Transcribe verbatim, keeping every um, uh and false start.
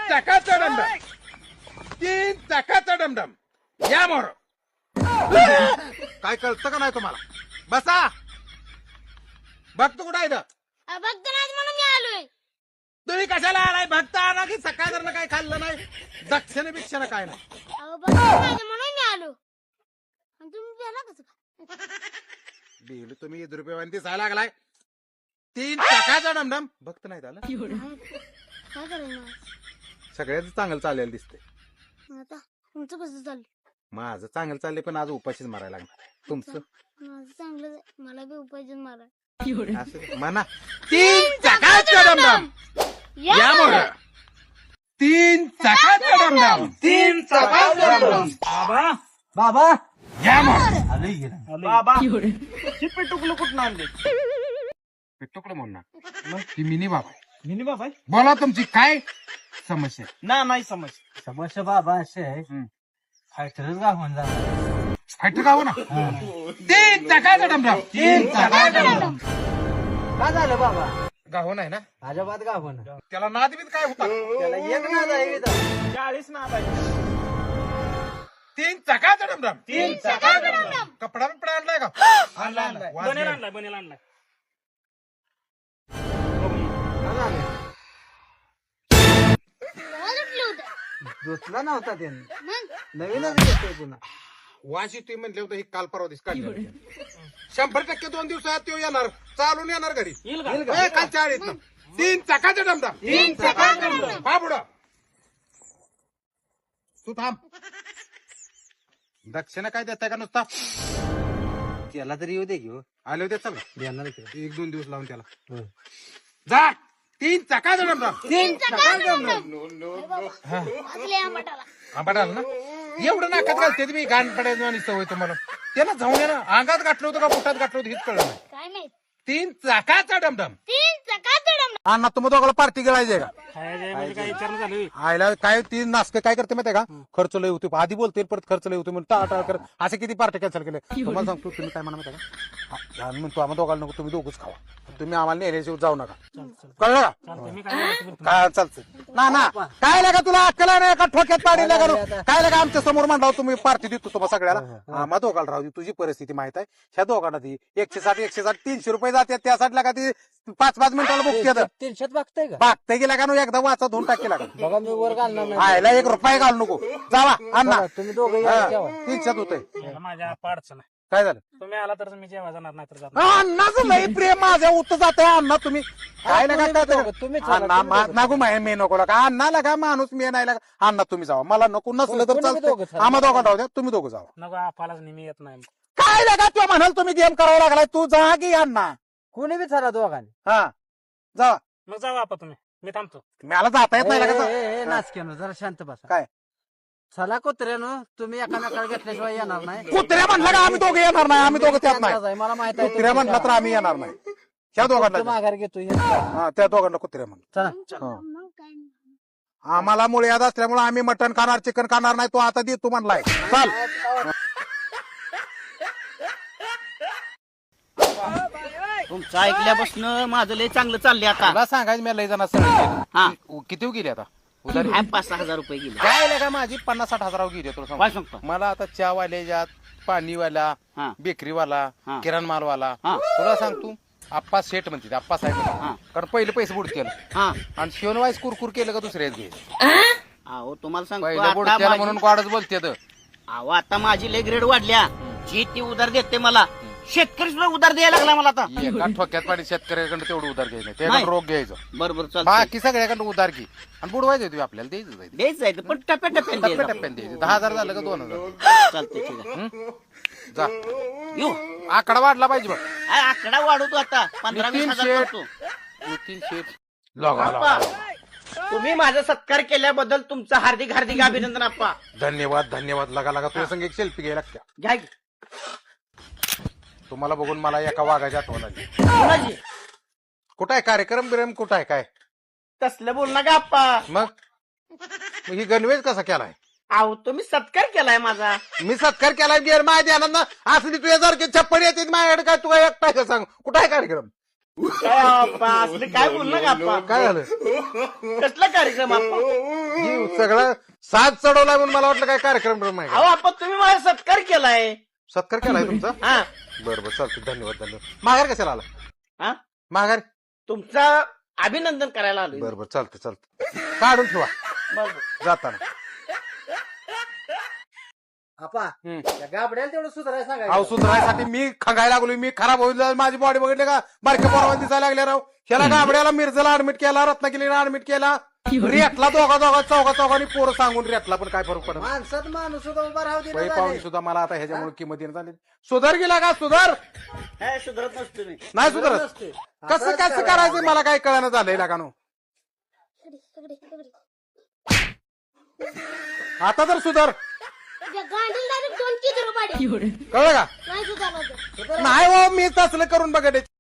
चाकाचा dumdum तीन चाकाचा dumdum या मोर काय कळतं का नाही तुम्हाला बसा भक्त कुठं आहे इथं? भक्त नाही म्हणून मी आलोय. तुम्ही कशाला आलाय भक्त आला की सकाळ जर काय खाल्लं नाही दक्षिण बिक्षण काय नाही अहो भक्त नाही म्हणून मी आलो. आणि तुम्ही प्याला कसं काय? बिल तुम्ही दहा रुपये दिसायला लागलाय तीन चाकाचा डमडम भक्त नाही झालं काय करायचं सगळ्याच चांगलं चाललेलं दिसतंय आता? तुमचं कसं चाललं? माझं चांगलं चाललंय पण आज उपाशीच मारायला लागणार तुमचं माझं चांगलं आहे. मला बी उपायचं मारा. असं म्हणा तीन चाकाचा डमडम या मोर तीन चाकाचा डमडम तीन चाकाचा डमडम बाबा बाबा या मोर आलोय गेला बाबा चिप्पी टुकलं कुठं आणले तुकडं म्हणणार ती मिनी बाबा आहे. मिनी बाबा बोला तुमची काय समस्या आहे? ना नाही समज समस्या बाबा असे आहे फायटरच गावून झाला फायटर गाव ना तीन चाकाचा डमडम तीन चाकाचा डमडम काय झालं बाबा गाव नाही ना अजिबात गावून त्याला नाद बीत काय होता त्याला एक नाद आहे इथं. चाळीस नाद आहे तीन चाकाचा डमडम तीन चाकाचा डमडम. कपडा बिपडा आणलाय का आणला आणला वाजले. बनेल आणलाय बनेल आणलाय मला उठलं होतं. दुसरा नव्हता त्याने मग नवीनच घेतोय पुन्हा वाशी तुम्ही म्हणले होते ही काल परवा दिवस काढली शंभर टक्के दोन दिवसात तो येणार चालून येणार घरी येईल का? ए, काल चाळीत ना तीन चाकाचा डमडम तीन चाकाचा डमडम पा पुढं तू थांब दक्षिणा काय देताय का नुसता त्याला तरी येऊ दे घेऊ आले होते चल देणार एक दोन दिवस लावून त्याला जा तीन चाकाचा डमडम तीन चाकाचा डमडम वाचले आंबाटाला. आंबाडाल ना एवढं नाकात घालते तुम्ही गाण पडायचं आणि सवय तुम्हाला त्याला जाऊन ना अंगात गाठलं होतं का पोटात गाठलं होतं हेच कळलं नाही काय माहित? तीन चाकाचा डमडम तीन चाकाचं डमडम. अण्णा तुम्ही दोघाला पार्टी गिळायची का म्हणजे काय विचार झालं आयला काय ती नास्क काय करते माहिती का खर्च लय होते आधी बोलते परत खर्च लय होते म्हणून टाळा कर असे किती पार्टी कॅन्सल केले तुम्हाला सांगतो तुम्ही काय म्हणा माहिती का हा, म्हणतो आम्हाला दोघाला नको तुम्ही दोघच खावा तुम्ही आम्हाला नेल्याशिवाय जाऊ नका कळलं का मी काय काय चालतं ना ना काय लागा तुला अक्कल नाही का ठोक्यात पाडी लागा काय लागा आमच्या समोर म्हणला तुम्ही पार्टी देतो तुम्हाला सगळ्याला आम्हा दोघाला राहू दे तुझी परिस्थिती माहित आहे ह्या दोघांना ती एकशे साठ एकशे साठ तीनशे रुपये जाते त्यासाठी लागा ती पाच पाच मिनिटाला बुक केलं तीनशेत बघताय का बागते गेला का नु एकदा वाचा धुवून टाकेला का बघा मी वर घालणार नाही आयला एक रुपये घालू नको जावा अण्णा तुम्ही दोघे तीनशेत होते माझ्या अडचण आहे काय झालं तुम्ही आला तर मी जेव्हा जाणार नाही तर जात अण्णाचं लय प्रेम माझ्या उत्तर जात आहे अण्णा तुम्ही काय लागा काय तुम्ही अण्णा मा- नागू माय मी नको लागा अण्णा लागा माणूस मी नाही लागा अण्णा तुम्ही जावा मला नको नसलं तर चालतं आम्हा दोघं राहू द्या तुम्ही दोघं जावा नको आपल्यालाच नेहमी येत नाही काय लागा तू म्हणाल तुम्ही गेम करावा लागलाय तू जा की अण्णा कोणी बी चला दोघांनी हा जा मग जावा आपा तुम्ही मी थांबतो मला जाता येत नाही लागा नाचक्यानं जरा शांत बसा काय चला कुत्र्यानं तुम्ही एकामेकाला घेतल्याशिवाय येणार नाही कुत्र्या म्हणलं का आम्ही दोघे येणार नाही आम्ही दोघं त्यात नाही मला माहित आहे कुत्र्या म्हणलं तर आम्ही येणार नाही ह्या दोघांना माघार घेतो हा त्या दोघांना कुत्र्या म्हणलं चला मग काय नाही. आम्हाला मुळे याद असल्यामुळे आम्ही मटण खाणार चिकन खाणार नाही तो आता दे तू म्हणलाय चाल तुमचं ऐकल्यापासून माझं लय चांगलं चाललंय आता मला सांगायचं मी लय जण हा किती गेली आता उधारी काय पाच सहा हजार रुपये गेले काय का माझी पन्नास साठ हजारावर गेली तुला काय सांगतो. सांगतो मला आता चहा वाल्याच्यात पाणीवाला हा बेकरीवाला हा. किराण मालवाला हा. तुला सांगतो आप्पा सेट म्हणते आप्पा साहेब हा. कारण पहिले पैसे बुड केलं हा आणि शिवण वाईस कुरकुर केलं का दुसऱ्याच घे अहो तुम्हाला सांगतो पहिलं बुड आता केलं माझी- म्हणून वाढच बोलते अहो आता माझी लय ग्रेड वाढल्या जी ती उधार देते मला शेतकरी सुद्धा उधार द्यायला लागला मला आता एका ठोक्यात पाणी शेतकऱ्याकडे तेवढं उधार घ्यायचं नाही. त्याकडे रोग घ्यायचं बरोबर चालतं बाकी सगळ्याकडे उधार घे आणि बुडवायचं तुम्ही आपल्याला द्यायचं जायचं. द्यायच जायचं पण टप्प्या टप्प्याने टप्प्या द्यायचं टप्प्याने द्यायचं दहा हजार झालं का दोन हजार चालतंय ठीक आहे जा येऊ आकडा वाढला पाहिजे बघ आ, आकडा वाढवतो आता पंधरा वीस नितीन हजार शेठ. करतो नितीन शेठ लगा लगा. तुम्ही माझा सत्कार केल्याबद्दल तुमचं हार्दिक हार्दिक अभिनंदन आप्पा धन्यवाद धन्यवाद लगा लगा तुझ्या संग एक सेल्फी घ्यायला लागत्या. घ्या की. तुम्हाला बघून मला एका वाघाची आठवण आली कोणाची? कुठं आहे कार्यक्रम बिरम कुठं आहे काय तसलं बोल ना का आप्पा मग मग ही गणवेश कसा केलाय अहो तुम्ही सत्कार केलाय माझा मी सत्कार केलाय गेर माझ्या ध्यानात ना असली तुझ्या सारखे छप्पन येते माझ्याकडे काय तू काय एकटा का सांग कुठं आहे कार्यक्रम काय आप्पा असले काय बोललं का आप्पा? काय झालं कसला कार्यक्रम आप्पा? ही सगळं साथ चढवलाय म्हणून मला वाटलं काय कार्यक्रम बिर्क्रम आहे अहो का? आप्पा तुम्ही माझा सत्कार केलाय. सत्कार केलाय तुमचा हा बरं बरं चालतं धन्यवाद धन्यवाद. माघार कशाला आला हा माघार तुमचा अभिनंदन करायला आलोय. बरं बरं चालतं चालतं काढून ठेवा बरं. जाताना. आपा हम्म. त्या गाबड्याला तेवढं सुधारायला अहो सांगायचं. सुधारायसाठी मी खंगायला लागलो मी खराब होईल माझी बॉडी बघितली का बारक्या पोरावर दिसायला लागल्या राव. ह्याला गाबड्याला मिरजेला ऍडमिट केला रत्नागिरीला ऍडमिट केला रेटला दोघा दोघा चौघा चौघांनी पोरं सांगून रेटला पण काय फरक पडत माणसात माणूस सुद्धा उभा राहू दे नाही. पाहुणे सुद्धा मला आता ह्याच्यामुळे किंमत देण्यात आली. सुधार गेला का सुधार काय सुधारत नसतो मी. नाही सुधारत कसं कसं करायचं मला काय कळणं झालंय लागानो. आता तर सुधार त्या गांडीला डायरेक्ट दोन किती रुपये कळलं का नाही सुधारलं तर. नाही हो मी तसलं करून बघा